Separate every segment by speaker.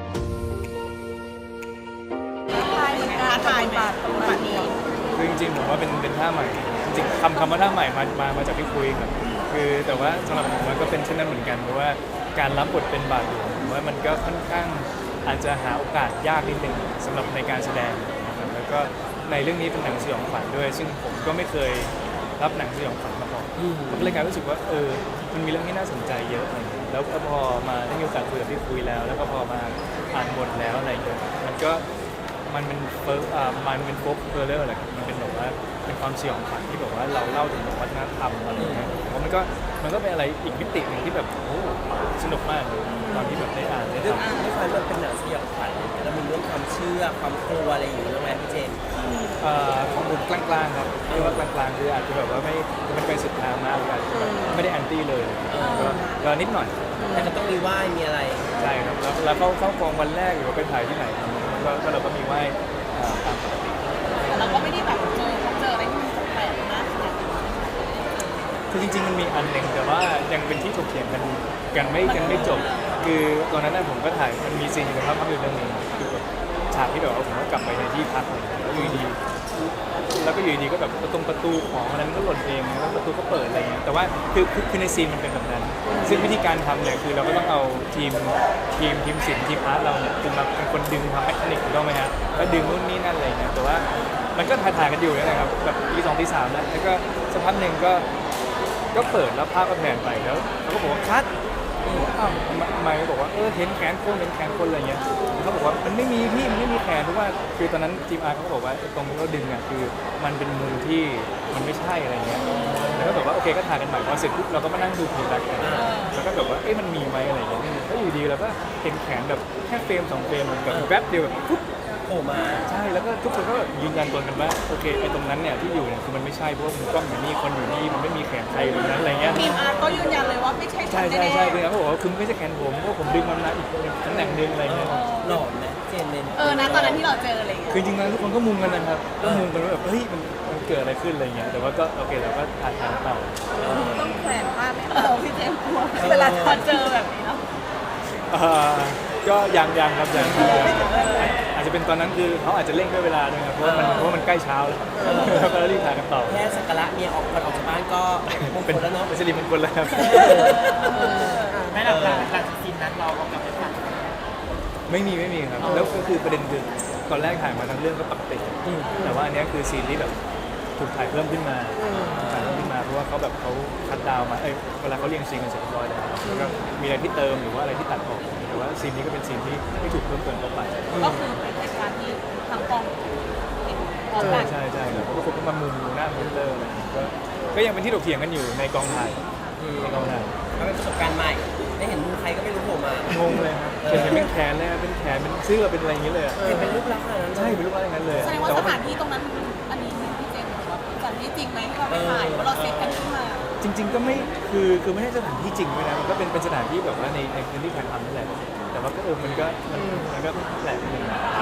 Speaker 1: ท้าทายบาทตรงนี้
Speaker 2: คือจริงๆผมว่าเป็นท่าใหม่จริงๆคำว่าท่าใหม่มาจากพี่คุยครับคือแต่ว่าสำหรับผมมันก็เป็นเช่นนั้นเหมือนกันเพราะว่าการรับบทเป็นบาทหลวงผมว่ามันก็ค่อนข้างอาจจะหาโอกาสยากนิดนึงสำหรับในการแสดงนะครับแล้วก็ในเรื่องนี้เป็นหนังสยองขวัญด้วยซึ่งผมก็ไม่เคยรับหนังสยองขวัญมาก่อนผมก็เลยกลายรู้สึกว่ามันมีเรื่องที่น่าสนใจเยอะอะไรอย่างเงี้ยแล้วพอมาได้มีโอกาสคุยกับพี่คุยแล้วก็พอมาอ่านบทแล้วอะไรอย่างเงี้ยมันเป็นโฟกเฮอร์เรอร์อะไรครับมันเป็นแบบว่าเป็นความสยองขวัญที่แบบว่าเราเล่าถึงวัฒนธรรมอะไรอย่างเงี้ยผมว่ามันก็เป็นอะไรอีกมิติหนึ่งที่แบบโอ้สนุกมากเลยตอนที่แบบได้อ่านได้ทำ
Speaker 3: ด้วยความมันเป็นหนังสยองขวัญแล้วมีเรื่องความเชื่อความกลัวอะไรอย่างเงี้ยแล้วไงพี่เจน
Speaker 2: ของผมกลางๆครับเรียกว่ากลางๆคืออาจจะแบบว่าไม่ไปสุดทางมากหรืออาจจะแบบไม่ได้แอนตี้เลยก็นิดหน่อย
Speaker 3: แต่ก็ต้องมีไหว้มีอะไร
Speaker 2: ใช่ครับแล้วเข้ากองวันแรกหรือว่าไปถ่ายที่ไหนก็เราก็มีไหว้ตามปกติ
Speaker 1: เราก็ไม่ได้แบบเจออะไรที่มันแปลกมาก
Speaker 2: คือจริงๆมันมีอันหนึ่งแต่ว่ายังเป็นที่ถกเถียงกันไม่จบคือตอนนั้นผมก็ถ่ายมันมีซีนในภาพยนตร์เรื่องนึงคือแบบฉากที่แบบว่าผมก็กลับไปในที่พักแล้วอยู่ดีก็แบบประตูของอะไรมันก็หล่นเองแล้วประตูก็เปิดอะไรเงี้ยแต่ว่าคือในซีนมันเป็นแบบนั้นซึ่งวิธีการทำเนี่ยคือเราก็ต้องเอาทีมศิลป์ทีมอาร์ตเราเนี่ยคือมาเป็นคนดึงทำแมคานิกถูกต้องไหมฮะแล้วดึงนู่นนี่นั่นอะไรเงี้ยแต่ว่ามันก็ถ่ายกันอยู่นะครับแบบตี 2 ตี 3แล้วก็สักพักหนึ่งก็เปิดแล้วภาพก็แผ่นไปแล้วเขาก็บอกว่าคัดไม่บอกว่าเห็นแขนคนอะไรเงี้ยเขาบอกว่ามันไม่มีพี่มันไม่มีแขนเพราะว่าคือตอนนั้นทีมอาร์เขาบอกว่าตรงที่เราดึงอ่ะคือมันเป็นมุมที่มันไม่ใช่อะไรเงี้ยแล้วก็แบบว่าโอเคก็ถ่ายกันใหม่พอเสร็จปุ๊บเราก็มานั่งดูพีแบ็คกันแล้วก็แบบว่ามันมีไหมอะไรเงี้ยก็อยู่ดีแล้วก็เห็นแขนแบบแค่เฟรม2 เฟรมมันแบบแวบเดียวแบบปุ๊บ
Speaker 3: โผล่มา
Speaker 2: ใช่แล้วก็ทุกคนก็ยืนยันตัวกันว่าโอเคไอ้ตรงนั้นเนี่ยที่อยู่เนี่ยคือมันไม่ใช่เพราะว่ามุมกล้องอยู่นี่คนอยู่นี่มันไม่มีแขนใครตรงนั้นอะไรเงี้ย
Speaker 1: ทีมอาร์ก็ยืนยันเลยว่าไม่ใช่
Speaker 2: ใช่คือเขาบอกว่าคือไม่ใช่แขนผมเพราะผมดึงมันมาอีกตำแหน่งนึงอะไรเงี้ย
Speaker 3: หลอนไหมเจนเป็น
Speaker 1: นะตอนนั้นที่เราเจออะไร
Speaker 2: คือจริงๆทุกคนก็มุงกันนะครับก็มุงกันว่าแบบมันเกิดอะไรขึ้นอะไรเงี้ยแต่ว่าก็โอเคเราก็ถ่ายต่อ
Speaker 1: ต้องแขวนผ้าไหมพี่เจมส์กลัวเวลาเจอแบบนี้เนาะ
Speaker 2: ก็ยังครับยังอาจจะเป็นตอนนั้นคือเขาอาจจะเร่งด้วยเวลาด้วยครับเพราะว่ามันใกล้เช้าแล้วก็รีบถ่ายกันต่อ
Speaker 3: แค่สักการะเมียออกจากบ้านก็
Speaker 2: เป็น
Speaker 3: แล้วเนาะ
Speaker 2: เป็นสิริมงคลแล้วครับ
Speaker 3: ไม่หลังซีนนั้นเราเอากลับไปถ่าย
Speaker 2: ไม่มีครับแล้วก็คือประเด็นคือตอนแรกถ่ายมาทั้งเรื่องก็ปกติแต่ว่าอันนี้คือซีนที่แบบถูกถ่ายเพิ่มขึ้นมาเพราะว่าเขาคัดดาวมาเวลาเขาเรียงซีนกันเสร็จเรียบร้อยแล้วก็มีอะไรที่เติมหรือว่าอะไรที่ตัดออกแต่ว่าซีนนี้ก็เป็นซีนที่ไม่ถูกเพิ่มเติมเข้าไป
Speaker 1: ก็คือเป็นเหตุการณ์ที่ทางกอง
Speaker 2: ใช่ครับเพราะว่าคนก็มามุมหน้ามุมเตอร์อะไรก็ยังเป็นที่ถกเถียงกันอยู่ในกองถ่าย
Speaker 3: ก็เป็นประสบการณ์ใหม่ได้เห็นมือใครก็ไม่รู้โผล่มาง
Speaker 2: งเลยครับเป็นแขนเลยเป็นแขนเป็นเสื้อเป็นอะไรอย่างเงี้ยเลย
Speaker 3: เป็นรูปลักษณ์นั้น
Speaker 2: ใช่เป็นรูปลักษณ์อย่างนั้นเลย
Speaker 1: แสดงว่าสถานที่ตรงนั้นอันนี้พี่เจมส์บอกว่าสถานที่จริงไหมที่เราไปถ่ายว่าเราเซตกันขึ้นมา
Speaker 2: จริงๆก็ไม่คือไม่ใช่สถานที่จริงด้วยนะมันก็เป็นสถานที่แบบว่าในพื้นที่ถ่ายทำนั่นแหละแต่ว่าก็มันก็แปลกนิดนึง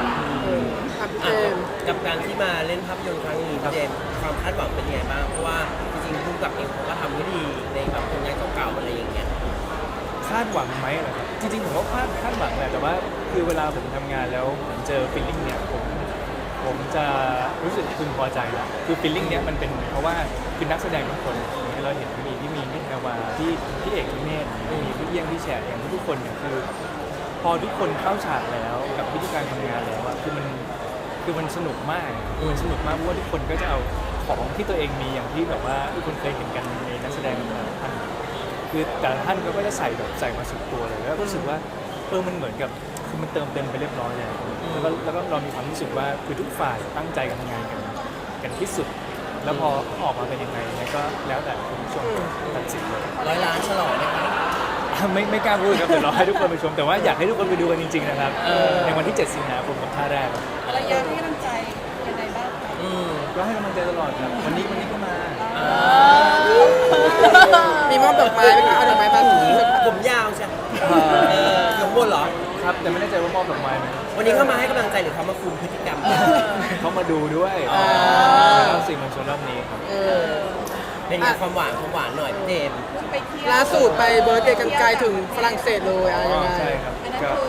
Speaker 3: กับการที่มาเล่นภาพยนตร์ครั้งนี้พี่เจมส์ความคาดหวังเป็นยังไงบ้างเพราะว่าจริงๆผู้กำกับเองเขาก็ทำได้ดีในแบบผลงานเก่าๆอะไรอย่างเงี้ย
Speaker 2: คาดหวังไหมเหรอครับจริงๆผมก็คาดหวังแหละแต่ว่าคือเวลาผมทำงานแล้วผมเจอฟีลลิ่งเนี่ยผมจะรู้สึกพึงพอใจแล้วคือฟีลลิ่งเนี้ยมันเป็นเพราะว่าคือนักแสดงทุกคนที่เราเห็นมีพี่แพรวาพี่เอกพี่เมธมีพี่เอี้ยงพี่แฉะอย่างทุกคนเนี่ยคือพอทุกคนเข้าฉากแล้วกับวิธีการทำงานแล้วอะคือมันสนุกมากเพราะว่าทุกคนก็จะเอาของที่ตัวเองมีอย่างที่แบบว่าทุกคนเคยเห็นกันในนักแสดงท่านคือแต่ละท่านก็จะใส่มาสุดตัวเลยแล้วรู้สึกว่ามันเหมือนกับคือมันเติมเต็มไปเรียบร้อยแล้วแล้วก็เรามีความรู้สึกว่าคือทุกฝ่ายตั้งใจทำงานกันที่สุดแล้วพอออกมาเป็นยังไงเนี่ยก็แล้วแต่คุณผู้ชมตัดสินเลย
Speaker 3: 100 ล้านฉลองไหมครับ
Speaker 2: ไม่กล้าพูดครับเดี๋ยวรอให้ทุกคนไปชมแต่ว่าอยากให้ทุกคนไปดูกันจริงๆนะครับในวันที่ 7 สิงหาคมกับท่าแรก
Speaker 1: ระยะให้กำลังใจยังไงบ้าง
Speaker 2: ก็ให้กำลังใจตลอดครับวันนี้ก็มา
Speaker 4: มีมอบดอกไม้ไหมคะเอาดอกไม้มา
Speaker 3: ผมยาวใช่ยกบนเหรอ
Speaker 2: ครับแต่ไม่แน่ใจว่ามอบดอกไม้ไหม
Speaker 3: วันนี้เขามาให้กำลังใจหรือเขามาคุมพฤติกรรม
Speaker 2: เขามาดูด้วยแล้วสิ่งมันชนรอบนี้ครับ
Speaker 3: เป็นความหวานหน่อยเดม
Speaker 4: ล่าสุดไปเบิร์ธเดย์กันไกลถึงฝรั่งเศสเลยอะไรยังไง
Speaker 2: ใช่ครับก็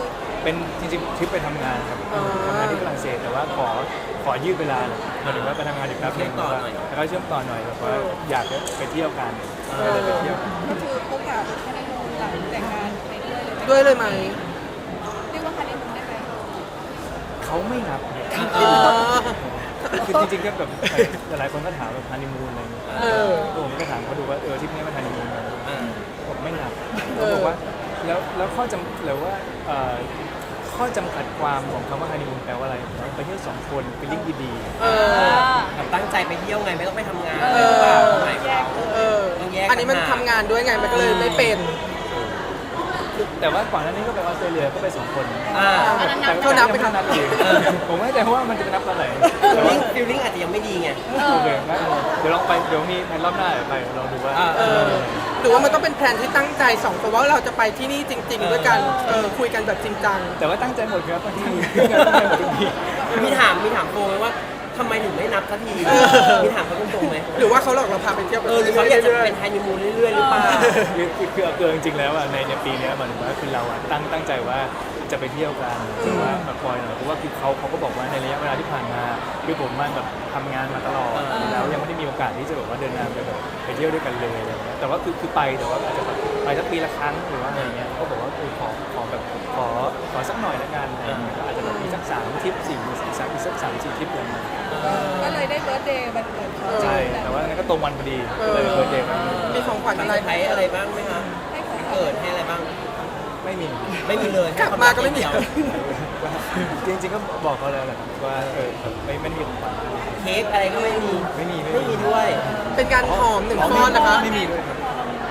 Speaker 2: เป็นจริงๆทริปไปทำงานครับทำงานที่ฝรั่งเศสแต่ว่าขอยืดเวลาหมายถึงว่าไปทำงานอีกแป๊บนึงแล้วก็เชื่อมต่อหน่อยแบบว่าอยากจะไปเที่ยวกันก็เลยไปเที่ยว
Speaker 1: ก็คือพบกับฮันนีมูนหลังแต่งงานไปด้วยเลย
Speaker 4: ด้วยเลยไหม
Speaker 1: เรียกว่าฮันนีมูนได้ไหม
Speaker 2: เขาไม่นับ
Speaker 4: เออ
Speaker 2: คือจริงๆก็แบบหลายคนก็ถามแบบฮันนีมูนอะไรอย่างเงี้ย
Speaker 4: เออ
Speaker 2: ผมก็ถามเขาดูว่าทริปนี้มันฮันนีมูนไหม
Speaker 3: อ่า
Speaker 2: ผมไม่นับ
Speaker 4: เอ
Speaker 2: เขา
Speaker 4: อ
Speaker 2: บอกว่าแล้วข้อจำหรือว่าข้อจำกัดความของคำว่าฮันนีมูนแปลว่าอะไรไปเที่ยวสองคนไปลิงก์ดี
Speaker 4: เออ
Speaker 3: แบบตั้งใจไปเที่ยวไงไม่ต้องไปทำงาน
Speaker 4: เออ
Speaker 3: หรือเปล่าหมายความ
Speaker 4: เออ
Speaker 3: ต้องแยก
Speaker 4: อันนี้มันทำงานด้วยไงมันก็เลยไม่เป็น
Speaker 2: ๆแต่ว่าก่อนหน้านี้ก็ไปออสเตรเลียก็ไปสองคน
Speaker 3: อ่า
Speaker 2: แต่
Speaker 4: เขานับไหมครับ
Speaker 2: นับอีกผมไม่แน่ใจว่ามันจะไปนับตอนไหน
Speaker 3: ฟิลลิ่งอาจจะยังไม่ดีไง
Speaker 2: โอเคงั้นเดี๋ยวลองไปเดี๋ยวมีแผนรอบหน้าไปลองดูว่า
Speaker 4: เออหรือว่ามันต้องเป็นแผนที่ตั้งใจสองคนว่าเราจะไปที่นี่จริง ๆ ด้วยกันคุยกันแบบจริงจัง
Speaker 2: แต่ว่าตั้งใจหมดครับบางทีตั้งใจหมดทุกที
Speaker 3: มีถามโฟไหมว่าทำไมถึงไม่นับสักทีมีถามเขาตรงๆไหม
Speaker 4: หรือว่าเขาหลอกเราพาไปเที่ยวกัน
Speaker 3: หรือเขาอยากจะเป็นฮันนีมูนเรื่อยๆหรือเปล่า
Speaker 2: คือเอาเกินจริงๆแล้วอ่ะในปีเนี้ยมันว่าคือเราอ่ะตั้งใจว่าจะไปเที่ยวกันแต่ว่ามาคอยหน่อยเพราะว่าคือเขาก็บอกว่าในระยะเวลาที่ผ่านมาคือผมมันแบบทำงานมาตลอดแล้วยังไม่ได้มีโอกาสที่จะแบบว่าเดินทางไปเที่ยวด้วยกันเลยอะไรอย่างเงี้ยแต่ว่าคือไปแต่ว่าอาจจะแบบไปสักปีละครั้งหรือว่าอะไรเงี้ยเขาบอกว่าขอแบบขอสักหน่อยละกันอะไรเงี้ยก็อาจจะแบบมีสัก3 ทริป4อีกสัก3-4 ทริปอะไรเงี้ย
Speaker 1: ก็เลยได้เบิร์ธเดย์วันเกิดเขา
Speaker 2: ใช่แต่ว่านั้นก็ตรงวันพอดีก็เลยเบิร์ธเดย์
Speaker 4: มีของขวัญ
Speaker 3: มี
Speaker 4: อะไร
Speaker 3: เซอร์ไพรส์อะไรบ้างไหมคะ
Speaker 1: ให้ของ
Speaker 3: เกิดให้อะไรบ้าง
Speaker 2: ไม่มี
Speaker 3: ไม่มีเลย
Speaker 4: กลับมาก็ไม่มี
Speaker 3: เดียว
Speaker 2: จริงๆก็บอกเขาแล้วแหละว่าแบบไม่ได้มีของขวัญ
Speaker 3: เค้กอะไรก็ไม่มี
Speaker 2: ไม่มี
Speaker 3: ไม่มีด้วย
Speaker 4: เป็นการหอม1 ก้อนนะคะ
Speaker 2: ไม่มีด้วยครับ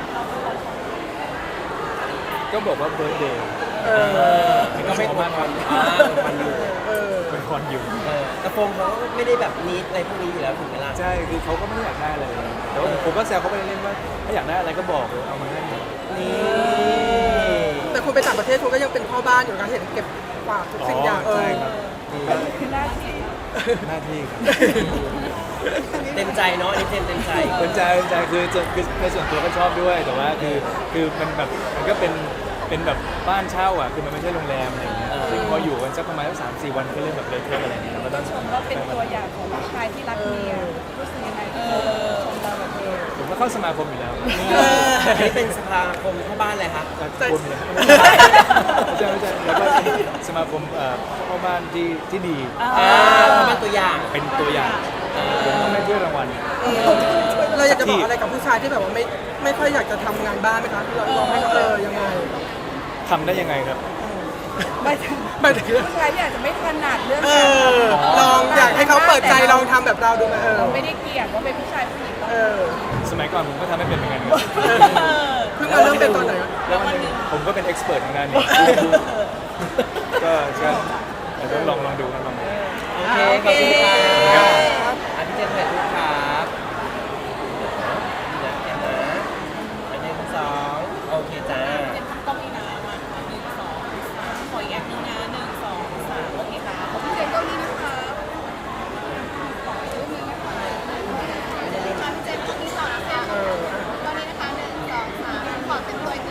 Speaker 2: ก็บอกว่าเบิร์ดเดย์
Speaker 4: เออ
Speaker 2: ก็ไม่มากครับ
Speaker 3: มันอยู่
Speaker 4: เออ
Speaker 2: เป็นคอนอยู่
Speaker 3: แต่โฟมเขาไม่ได้แบบนิดอะไรพวกนี้อยู่แล้วถึงเวลา
Speaker 2: ใช่คือเขาก็ไม่ได้อยากได้อะไรแต่ว่าผมก็แซวเขาไปเล่นว่าถ้าอยากได้อะไรก็บอกเอามาให้
Speaker 3: นี่
Speaker 4: แต่คุณไปต่างประเทศคุณก็ยังเป็นพ่อบ้านอยู่นะเห็นเก็บฝากทุกสิ่งอย่าง
Speaker 2: ใช่ครับ
Speaker 1: คือหน้าที่
Speaker 2: หน้าที่ครับ
Speaker 3: เต็มใจเนาะอันนี้เต็มใจ
Speaker 2: เป็นใจคือในส่วนตัวก็ชอบด้วยแต่ว่าคือมันแบบมันก็เป็นแบบบ้านเช่าอ่ะคือมันไม่ใช่โรงแรมอะไรอย่างเงี้ยซึ่งพออยู่กันสักประมาณ3-4 วันก็เริ่มแบบเละเทะอะไรอย่างเงี้ยเราต้อง
Speaker 1: ก็เป็นตัวอย่างของผู้ชายที่รักเมียรู้สึกยังไงที่เขาชมเราแบบนี้
Speaker 2: ผมก็เข้าสมาคมอยู่แล้ว
Speaker 3: อันนี้เป็นสภาคมเข้าบ้านเลยครับ
Speaker 2: คุณเนี่ยไม่ใช่แล้วก็สมาคมพ่อบ้านที่ดี
Speaker 3: เข้าบ้านตัวอย่าง
Speaker 2: เป็นตัวอย่างผมต้องได้ถ้วยรางวัล
Speaker 4: เราอยากจะบอกอะไรกับผู้ชายที่แบบว่าไม่ค่อยอยากจะทำงานบ้านไหมคะเราลองให้เขายังไง
Speaker 2: ทำได้ยังไงครับ
Speaker 1: ไม่ถึง
Speaker 4: ไม่ถึง
Speaker 1: ผู้ชายที่อาจจะไม่ถนัดเรื่อง
Speaker 4: เอ
Speaker 1: การ
Speaker 4: อลองอยากให้เขาเปิดใจลองทำแบบเราดูไหม
Speaker 1: เราไม่ได้เกลียดว่าเป็นผู้ชายผู้หญิง
Speaker 4: เออ
Speaker 2: สมัยก่อนผมก็ทำไม่เป็นเหมือนกันครับ
Speaker 4: เพิ่งมาเริ่มเป็นตอนไหน
Speaker 2: แล้ววันหนึงผมก็เป็นเอ็กซ์เพรสทางด้านนี้ก็อาจจะลองดูนะลองดู
Speaker 3: โอเคขอบคุณครับอันนี้เจนถ่ายรูปครับเดี๋ยวเดี๋ยวนะอันนี้สองโอเคจ้า
Speaker 1: เป็นต้องมีน้ำมา1 2 3ขออีกอย่างหนึงนะ1 2 3โอเคค่ะขอบคุณเจนก็มีนะคะขอรูปนึงนะคะพี่เจนก็มีต่อนะคะตอนนี้นะคะ1 2 3ขอเต็มตัวอีก1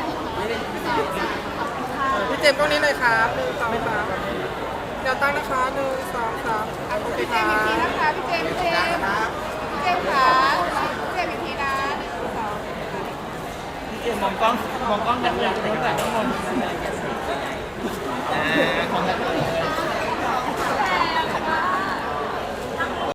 Speaker 1: 2 3ขอบคุณค่ะ
Speaker 4: พี่เจมส์กล้องนี้เลยครับ1 2 3เดี๋ยวตั้งนะคะ1 2 3โอเค
Speaker 1: พี่เจ
Speaker 4: ครั
Speaker 1: มส์อีกที
Speaker 4: บ
Speaker 1: นะคะพี่เจมส์พี่เจมส์ค่ะพี่เจมส์อีกทีนะ1 2
Speaker 3: มองกล้องกันเลยตั้งแต่ข้างบน
Speaker 1: 3